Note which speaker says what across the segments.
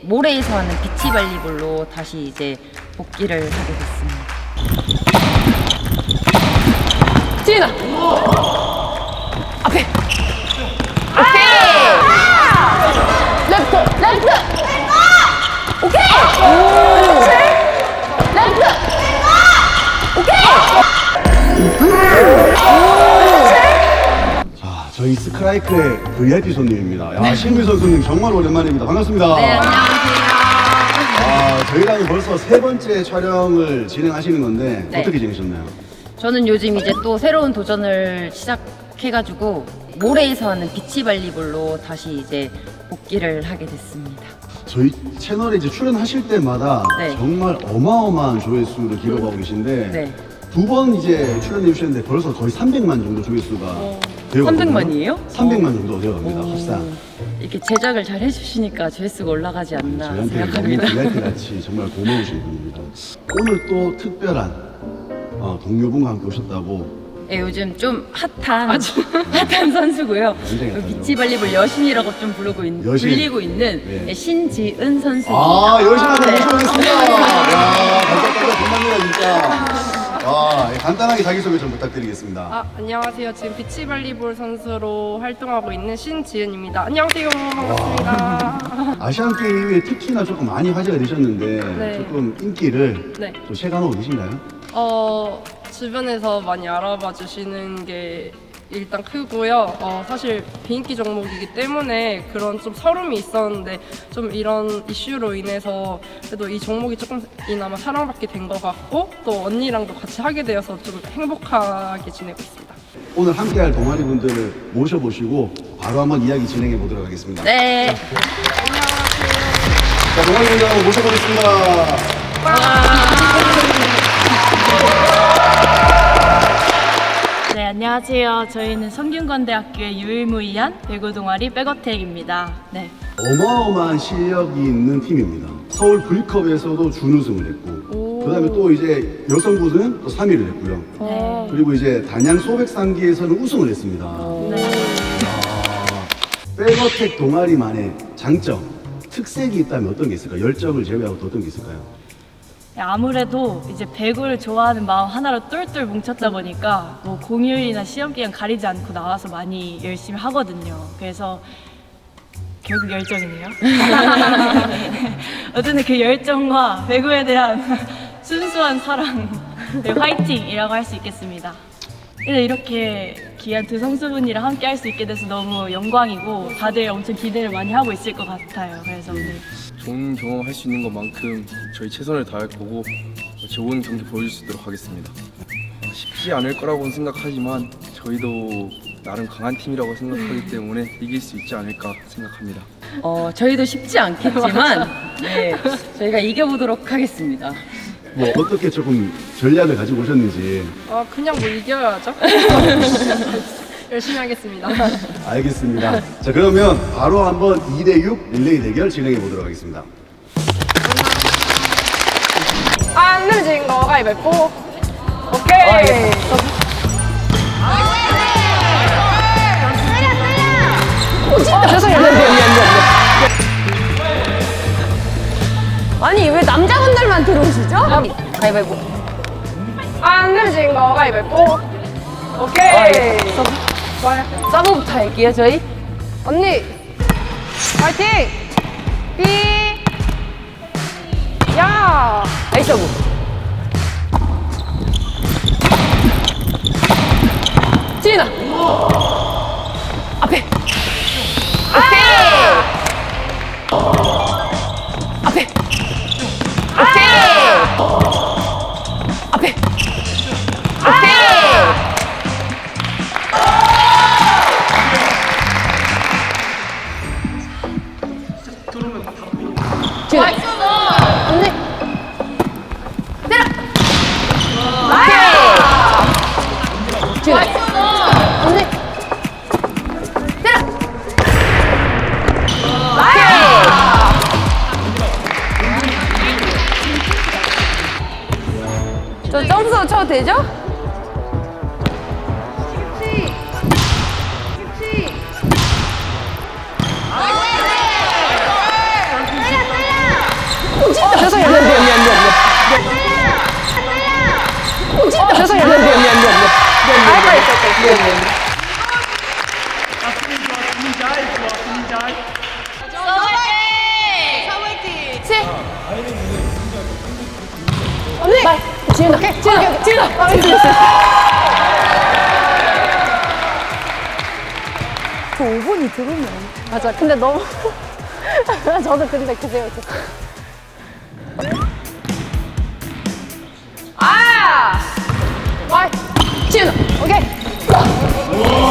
Speaker 1: 모래에서 하는 비치 발리볼로 다시 이제 복귀를 하게 됐습니다.
Speaker 2: 지은아! 앞에! 오케이! 레프트! 레프트! 오케이! 그렇지! 레프트! 오케이!
Speaker 3: 자, 저희 스크라이크의 VIP 손님입니다. 야, 신미 선수님 정말 오랜만입니다. 반갑습니다.
Speaker 1: 네, 안녕하세요.
Speaker 3: 저희랑 벌써 세 번째 촬영을 진행하시는 건데
Speaker 1: 네.
Speaker 3: 어떻게 지내셨나요?
Speaker 1: 저는 요즘 이제 또 새로운 도전을 시작해가지고 모래에서 하는 비치 발리볼로 다시 이제 복귀를 하게 됐습니다.
Speaker 3: 저희 채널에 이제 출연하실 때마다
Speaker 1: 네.
Speaker 3: 정말 어마어마한 조회수를 기록하고 계신데
Speaker 1: 네.
Speaker 3: 두 번 이제 출연해 주셨는데 벌써 거의 300만 정도 조회수가 되어가거든요.
Speaker 1: 300만이에요?
Speaker 3: 300만 정도 되어갑니다. 합산.
Speaker 1: 이렇게 제작을 잘 해주시니까 조회수가 올라가지 않나
Speaker 3: 저희한테 너무
Speaker 1: 생각합니다.
Speaker 3: VIP 같이 정말 고마우신 분입니다. 오늘 또 특별한 동료분과 함께 오셨다고.
Speaker 1: 네, 요즘 좀 핫한 선수고요.
Speaker 3: 굉장히 핫하죠.
Speaker 1: 비치 발리볼 여신이라고 좀
Speaker 3: 여신.
Speaker 1: 불리고 있는
Speaker 3: 네.
Speaker 1: 신지은 선수입니다.
Speaker 3: 열심히
Speaker 1: 네.
Speaker 3: 모셔보겠습니다. 야, 반짝반짝 빛납니다, 진짜. 간단하게 자기소개 좀 부탁드리겠습니다.
Speaker 4: 안녕하세요. 지금 비치발리볼 선수로 활동하고 있는 신지은입니다. 안녕하세요. 반갑습니다.
Speaker 3: 아시안 게임에 특히나 조금 많이 화제가 되셨는데
Speaker 4: 네.
Speaker 3: 조금 인기를
Speaker 4: 네.
Speaker 3: 좀 체감하고 계신가요?
Speaker 4: 주변에서 많이 알아봐 주시는 게 일단 크고요. 사실 비인기 종목이기 때문에 그런 좀 서름이 있었는데 좀 이런 이슈로 인해서 그래도 이 종목이 조금이나마 사랑받게 된 것 같고 또 언니랑도 같이 하게 되어서 좀 행복하게 지내고 있습니다.
Speaker 3: 오늘 함께할 동아리 분들을 모셔보시고 바로 한번 이야기 진행해 보도록 하겠습니다.
Speaker 1: 네.
Speaker 3: 자, 동아리 분들 한번 모셔보겠습니다.
Speaker 5: 네, 안녕하세요. 저희는 성균관대학교의 유일무이한 배구 동아리 백어택입니다. 네.
Speaker 3: 어마어마한 실력이 있는 팀입니다. 서울 V컵에서도 준우승을 했고, 그 다음에 또 이제 여성부는 또 3위를 했고요.
Speaker 5: 네.
Speaker 3: 그리고 이제 단양 소백상기에서는 우승을 했습니다.
Speaker 5: 네.
Speaker 3: 백어택 동아리만의 장점, 특색이 있다면 어떤 게 있을까요? 열정을 제외하고 또 어떤 게 있을까요?
Speaker 5: 아무래도 이제 배구를 좋아하는 마음 하나로 똘똘 뭉쳤다 보니까 뭐 공휴일이나 시험 기간 가리지 않고 나와서 많이 열심히 하거든요. 그래서 결국 열정이네요. 어쨌든 그 열정과 배구에 대한 순수한 사랑, 네, 화이팅이라고 할 수 있겠습니다. 이렇게 귀한 두 선수분이랑 함께 할 수 있게 돼서 너무 영광이고 다들 엄청 기대를 많이 하고 있을 것 같아요. 그래서 오늘
Speaker 6: 좋은 경험 할 수 있는 것만큼 저희 최선을 다할 거고 좋은 경기 보여줄 수 있도록 하겠습니다. 쉽지 않을 거라고는 생각하지만 저희도 나름 강한 팀이라고 생각하기 때문에 이길 수 있지 않을까 생각합니다.
Speaker 1: 저희도 쉽지 않겠지만 네, 저희가 이겨보도록 하겠습니다.
Speaker 3: 뭐 어떻게 조금 전략을 가지고 오셨는지.
Speaker 4: 그냥 뭐 이겨야죠. 열심히 하겠습니다.
Speaker 3: 알겠습니다. 자, 그러면 바로 한번 2대6 릴레이 대결 진행해 보도록 하겠습니다.
Speaker 4: 안 내면 거 가위바위보. 오케이. 죄송해요.
Speaker 2: 아니, 왜 남자분들만 들어오시죠?
Speaker 1: 가위바위보.
Speaker 4: 안 내면 거 가위바위보. 오케이.
Speaker 2: 서브부터 할게요, 저희.
Speaker 4: 언니 파이팅! 삐! 야!
Speaker 2: 아이 서브. 지은아! 앞에! 오케이! 앞에! 오케이! 앞에! 오케이! 지은아! 언니! 때려! 오케이! 지은아! 언니! 때려! 오케이! 저 점수 쳐도 되죠? 죄송해요. 미안. 죄송해요. 미안. 빨리. 언니! 지은아!
Speaker 7: 그 5분이 들으면.
Speaker 2: 맞아. 근데 너무. 저도 근데 그 생각했어. 지은아! 오케이!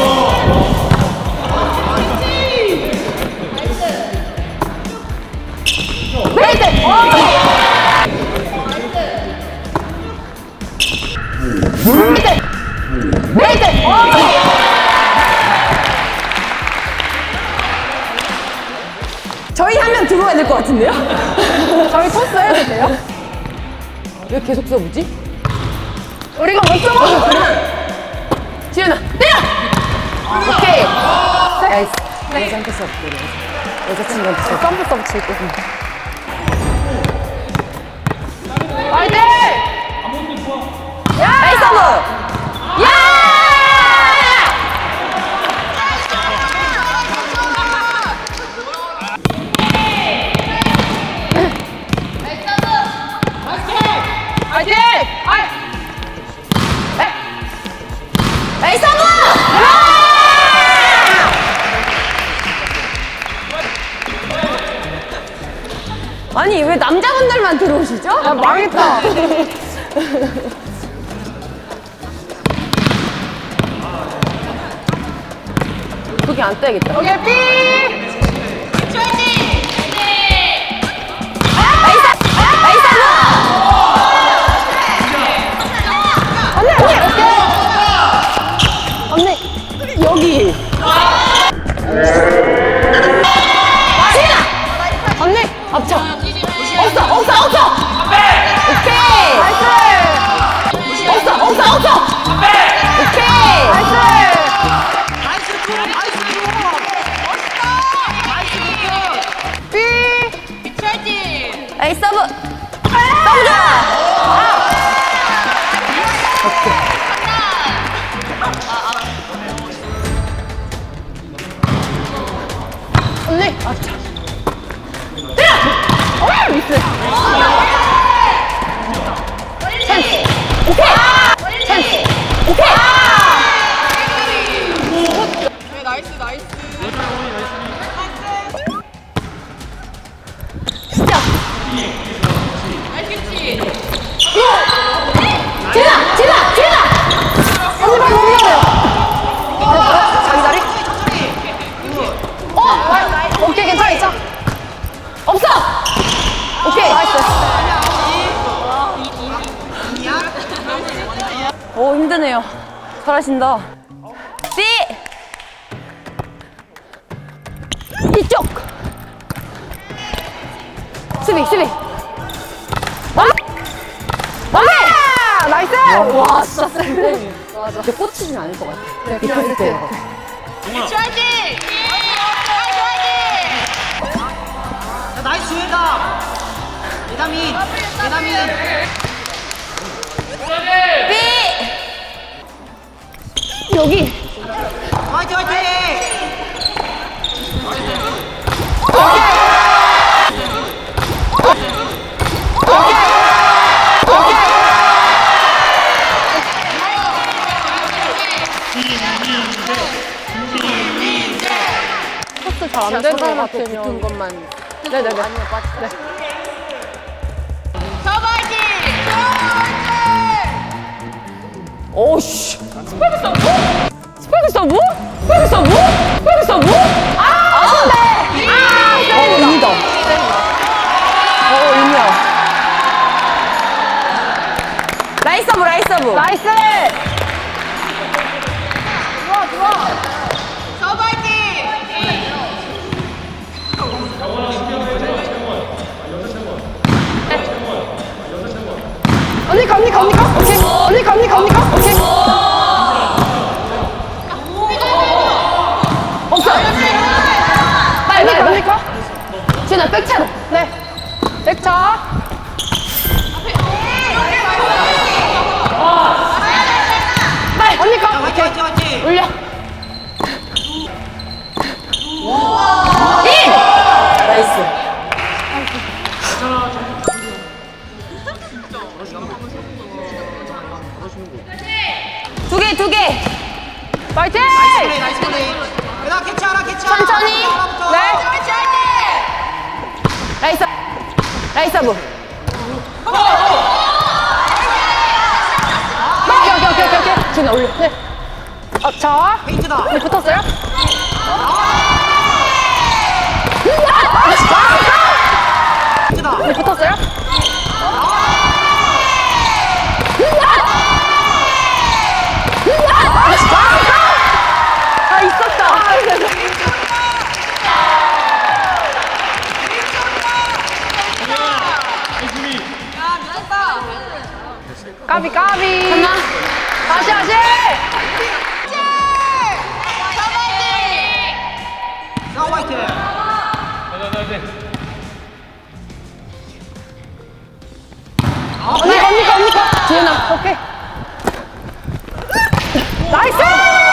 Speaker 7: 저희 하면 들어와야 될 것 같은데요?
Speaker 2: 저희 토스 해도 돼요?
Speaker 7: 왜 계속 써보지?
Speaker 2: 우리가 못 써먹어!
Speaker 7: 지은아, 때려! 오케이. 나이스. 여자한테 써볼게. 여자친구한테 써볼게.
Speaker 2: 썸부 서브 칠게.
Speaker 7: 화이팅! 나이스 서브! 야! 화이팅! 나이스 서브! 아니 왜 남자분들만 들어오시죠?
Speaker 2: 아, 망했다.
Speaker 7: 거기 안 떼야겠다.
Speaker 2: 오케이, 삐!
Speaker 7: 나이스 서브!
Speaker 2: 언니!
Speaker 7: 여기.
Speaker 2: 언니!
Speaker 7: 앞쳐. 없어. 오케이. 없어. 오케이. 나이스 서브. 서브 좋아.
Speaker 2: 언니! 자기 자리? 오케이, 괜찮아.
Speaker 7: 없어. 오케이.
Speaker 2: 나이스.
Speaker 7: 오 힘드네요. 잘하신다. B. 이쪽. 수비.
Speaker 2: 오케이! 나이스!
Speaker 7: 와 진짜 센데. 근데 꽂히진 않을 것 같아. 비틀 때.
Speaker 8: 나이스 주혜다. 예다민.
Speaker 7: B. 여기.
Speaker 8: 화이팅 화이팅.
Speaker 2: 토스 잘 안 되는 것 같으면.
Speaker 7: 붙은 것만.
Speaker 2: 네네네.
Speaker 7: 아니면 빠지다. 오씨. 스파이크 서브? 아쉽네. 의미다. 의미야. 라이스 서브.
Speaker 2: 나이스! 언니 가. 오케이. 언니 가. 오케이.
Speaker 7: 없어. 빨리.
Speaker 2: 언니 가.
Speaker 7: 지은아 백차로.
Speaker 2: 네. 백차. 나이스 서브. 오케이. 지금 올려. 네. 자.
Speaker 8: 페인트다.
Speaker 2: 네, 붙었어요?
Speaker 8: 페인트다.
Speaker 2: 네, 붙었어요? 아, 있었다. 까비. 하나. 다시.
Speaker 8: 자, 화이팅.
Speaker 2: 언니가. 지은아, 오케이. 나이스!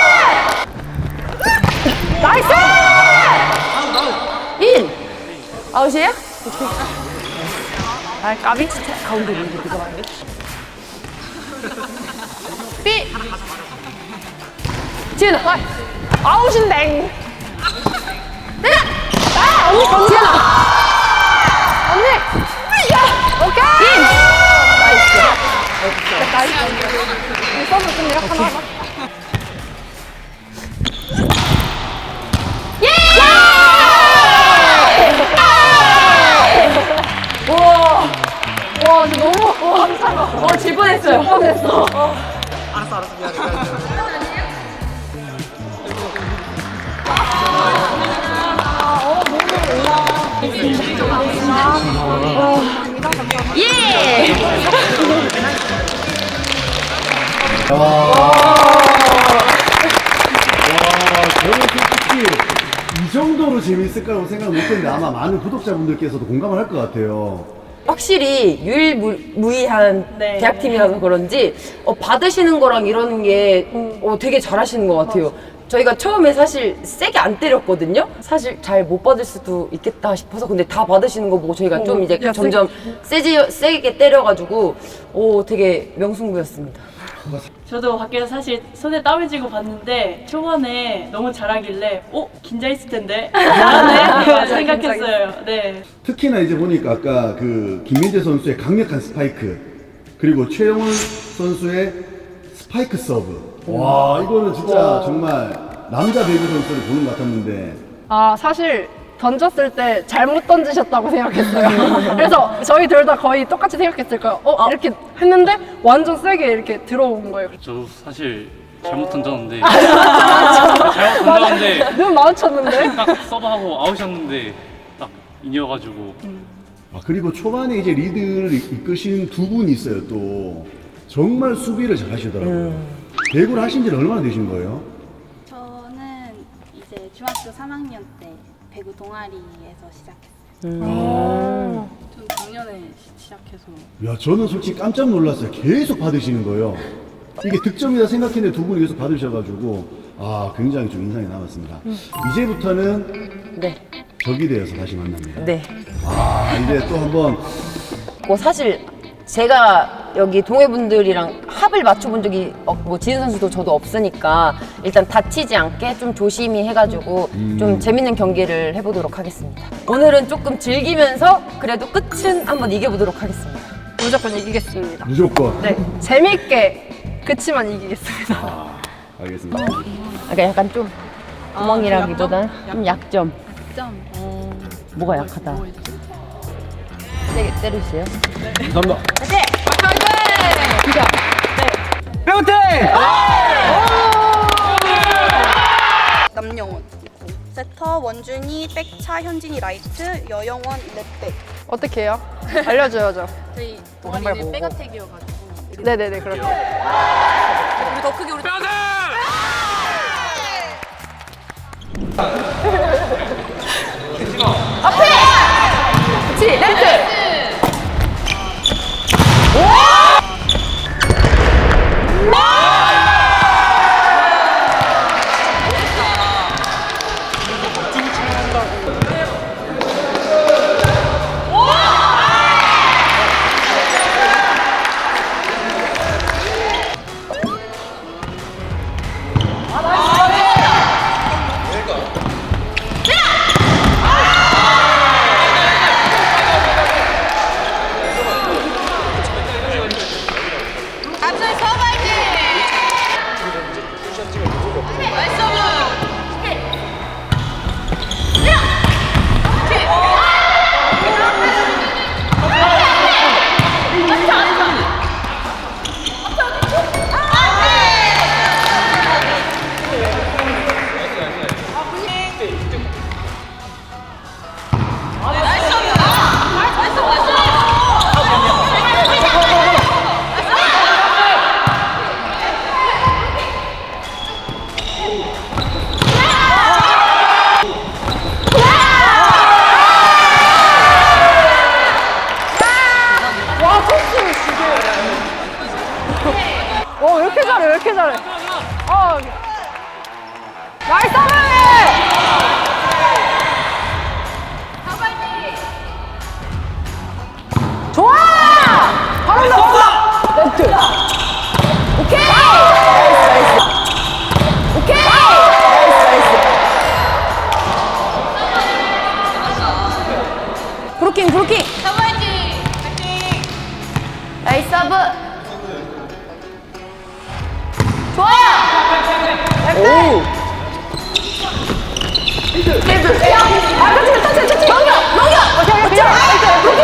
Speaker 2: 인! 아웃이에요? 오케이. 아, 까비? 가운데 있는데, 누가 말해? 삐! 지은아, 와. 아웃인데! 내가! 아, 언니, 지은아! 언니! 야! 오케이! 인! 나이스. 서브 좀 이렇게 하나 하자. 와, 진짜 너무, 질 뻔했어요.
Speaker 8: 알았어, 미안해.
Speaker 1: 예!
Speaker 3: 저는 솔직히 이 정도로 재밌을 거라고 생각 못했는데 아마 많은 구독자분들께서도 공감을 할 것 같아요.
Speaker 1: 확실히 유일무이한
Speaker 5: 네.
Speaker 1: 대학팀이라서 그런지 받으시는 거랑 이러는 게 되게 잘하시는 것 같아요. 저희가 처음에 사실 세게 안 때렸거든요. 사실 잘 못 받을 수도 있겠다 싶어서 근데 다 받으시는 거 보고 저희가 좀 이제 점점 세게 때려가지고 되게 명승부였습니다.
Speaker 5: 저도 밖에서 사실 손에 땀을 쥐고 봤는데 초반에 너무 잘하길래 긴장했을 텐데 잘하네 생각했어요. 네.
Speaker 3: 특히나 이제 보니까 아까 그 김민재 선수의 강력한 스파이크 그리고 최영훈 선수의 스파이크 서브. 와, 이거는 진짜 정말 남자 배구 선수를 보는 것 같았는데.
Speaker 2: 아, 사실 던졌을 때 잘못 던지셨다고 생각했어요. 그래서 저희 둘 다 거의 똑같이 생각했을 거예요. 이렇게 했는데 완전 세게 이렇게 들어온 거예요.
Speaker 9: 저 사실 잘못 던졌는데 잘못 던졌는데
Speaker 2: 눈 마주쳤는데.
Speaker 9: 딱 서브하고 아웃이었는데 딱 인이어가지고
Speaker 3: 그리고 초반에 이제 리드를 이끄신 두 분이 있어요. 또 정말 수비를 잘 하시더라고요. 배구를 하신 지는 얼마나 되신 거예요?
Speaker 10: 저는 이제 중학교 3학년 때 배구 동아리에서 시작했어요.
Speaker 4: 전 작년에 시작해서.
Speaker 3: 야, 저는 솔직히 깜짝 놀랐어요. 계속 받으시는 거예요. 이게 득점이다 생각했는데 두 분이 계속 받으셔가지고 굉장히 좀 인상이 남았습니다. 이제부터는
Speaker 1: 네.
Speaker 3: 적이 되어서 다시 만납니다.
Speaker 1: 네.
Speaker 3: 이제 또 한번
Speaker 1: 사실 제가 여기 동해분들이랑 합을 맞춰본 적이 지은 선수도 저도 없으니까 일단 다치지 않게 좀 조심히 해가지고 좀 재밌는 경기를 해보도록 하겠습니다. 오늘은 조금 즐기면서 그래도 끝은 한번 이겨보도록 하겠습니다.
Speaker 2: 무조건 이기겠습니다.
Speaker 3: 무조건.
Speaker 2: 네, 재밌게 그치만 이기겠습니다.
Speaker 3: 알겠습니다.
Speaker 1: 그러니까 약간 좀 구멍이라기보다는 좀 약점. 뭐가 약하다. 세게 때리세요.
Speaker 3: 감사합니다.
Speaker 10: 남영원 있고 세터 원준이, 백차, 현진이 라이트, 여영원 랩백.
Speaker 2: 어떻게 해요? 알려줘야죠.
Speaker 10: 저희 동아리는 백어택이어가지고
Speaker 2: 네네네, 그렇게.
Speaker 10: 우리 더 크게 우리
Speaker 2: 그치, 렌트!
Speaker 1: 레프트. 오케이. 나이스. 오케이. 나이스. 브로킹. 나이스 서브. 좋아요. 오. 레드. 야, 터치. 넘겨. 오케이. 브로킹.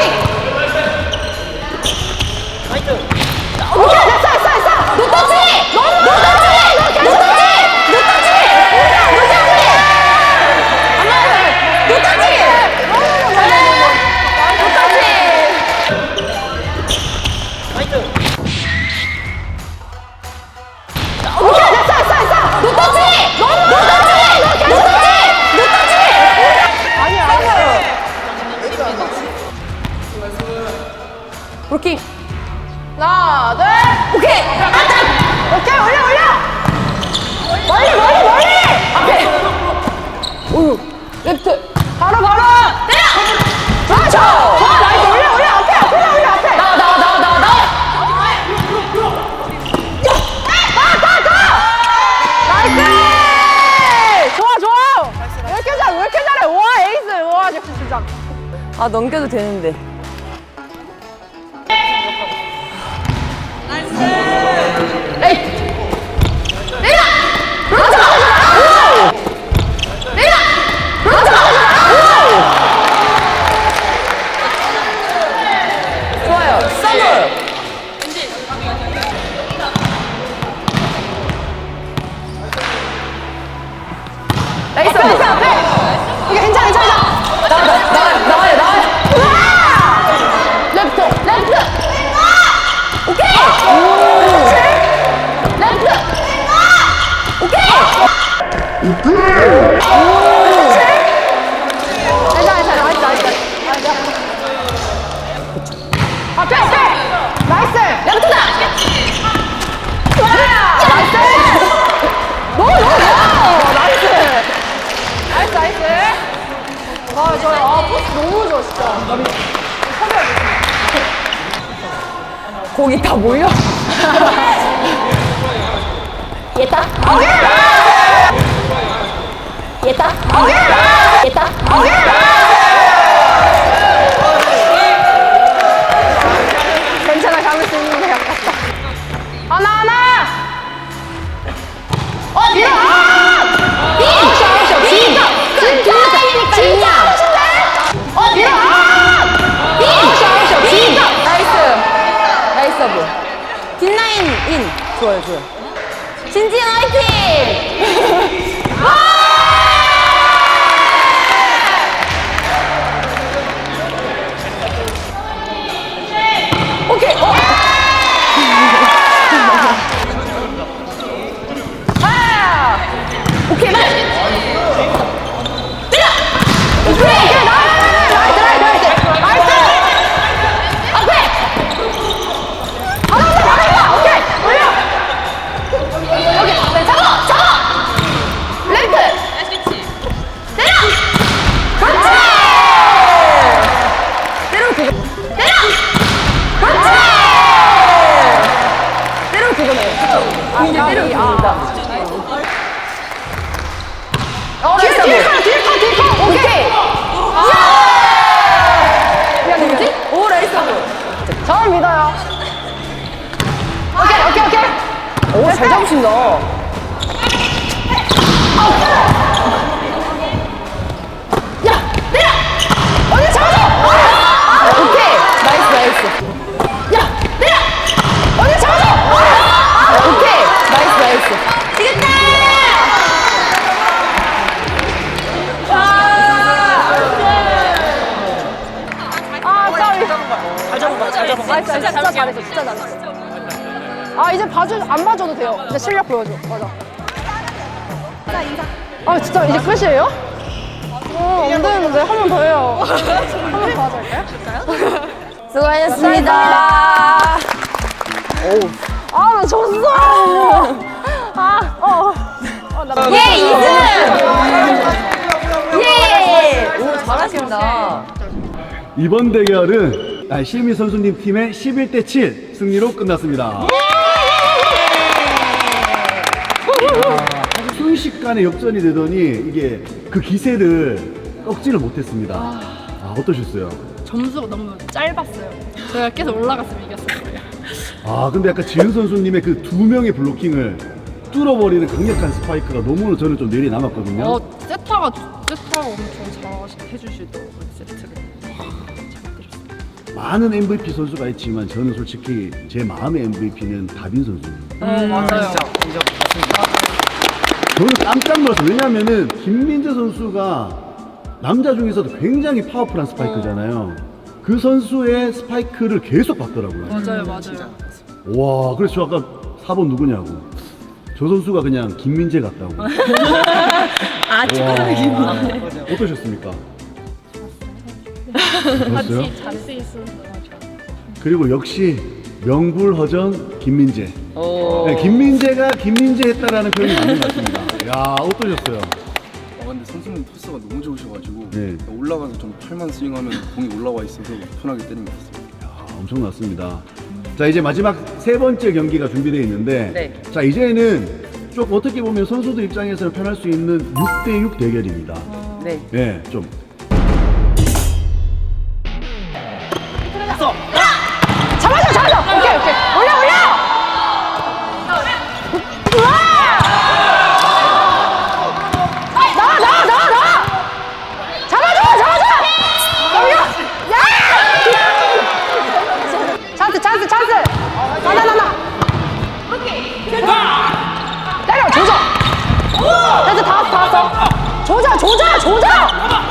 Speaker 1: 오케이, 됐어. 노 터치. 브로킹. 하나, 둘. 오케이. 오케이, 올려. 멀리. 앞에. 오유. 레프트. 바로. 때려. 좋아. 나이스. 올려. 앞에. 나와. 나이스. 좋아. 왜 이렇게 잘해? 와, 에이스. 와, 진짜. 아, 넘겨도 되는데. 좋아요. 서브. 나이스. 앞에. 이게 괜찮아. 나와요. 레프트. 오케이. 레프트. 오케이. 나이스. 앞에. 나이스. 레프트다. 나이스. 너무. 나이스. 아, 좋아요. 포스 너무 좋아, 진짜. 거기 다 몰려. 얘다. 괜찮아, 잡을 수 있는 게 가깝다. 하나. 밀어. 진짜 하실래? 밀어. 나이스 서브. 뒷라인 인. 좋아요. 신지은 화이팅! 오케이. 오케이. 때려. 오케이. 나이스. 앞에. 막았다. 오케이. 올려. 오케이. 잡아. 렌트. 때려. 그렇지. 때려. 그렇지. 때려 그거네. 이제 때려줍니다. 뒤에 컷. 오케이. 야, 누구지? 오, 나이스. 저를 믿어요. 오케이. 오, 잘 잡으신다. 야, 때려! 언니 잡아줘! 오케이. 나이스. 야, 때려! 언니 잡아줘! 오케이. 나이스. 지겠다! 진짜 잘했어. 아, 이제 안 봐줘도 돼요. 이제 실력 보여줘. 맞아. 아, 진짜 이제 끝이에요? 안 되는데 한 번 더 해요. 한 번 더 하자 할까요? 수고하셨습니다. 아, 나 졌어. 예, 2승! 예! 오, 잘하신다.
Speaker 3: 이번 대결은 시민 선수님 팀의 11대7 승리로 끝났습니다. 순식간에 역전이 되더니 이게 그 기세를 꺾지를 못했습니다. 어떠셨어요?
Speaker 2: 점수가 너무 짧았어요. 저희가 계속 올라갔으면 이겼을 거예요.
Speaker 3: 근데 약간 지은 선수님의 그 두 명의 블로킹을 뚫어버리는 강력한 스파이크가 너무 저는 좀 내리 남았거든요.
Speaker 2: 세타가 엄청 잘 해주시더라고요, 세트를. 잘 때렸어요.
Speaker 3: 많은 MVP 선수가 있지만 저는 솔직히 제 마음의 MVP는 다빈 선수입니다.
Speaker 2: 맞아요.
Speaker 3: 저는 깜짝 놀랐어요. 왜냐하면은 김민재 선수가 남자 중에서도 굉장히 파워풀한 스파이크잖아요. 그 선수의 스파이크를 계속 봤더라고요.
Speaker 2: 맞아요.
Speaker 3: 와, 그래서 저 아까 4번 누구냐고. 저 선수가 그냥 김민재 같다고. 축하드립니다. 김민재. 어떠셨습니까? 좋았어요?
Speaker 2: 잘수 있어서 좋았어요.
Speaker 3: 그리고 역시 명불허전 김민재. 네, 김민재가 김민재 했다라는 표현이 맞는 것 같습니다. 야, 어떠셨어요?
Speaker 6: 근데 선수님 토스가 너무 좋으셔가지고
Speaker 3: 네.
Speaker 6: 올라가서 좀 팔만 스윙하면 공이 올라와 있어서 편하게 때린 것 같습니다.
Speaker 3: 엄청났습니다. 자, 이제 마지막 세 번째 경기가 준비되어 있는데,
Speaker 1: 네.
Speaker 3: 자, 이제는 좀 어떻게 보면 선수들 입장에서는 편할 수 있는 6대6 대결입니다.
Speaker 1: 네.
Speaker 3: 네, 좀.
Speaker 7: 잡아줘! 오케이! 올려! 나와! 잡아줘! 여기요! 찬스! 나! 때려! 조져! 됐어, 다 왔어! 조져!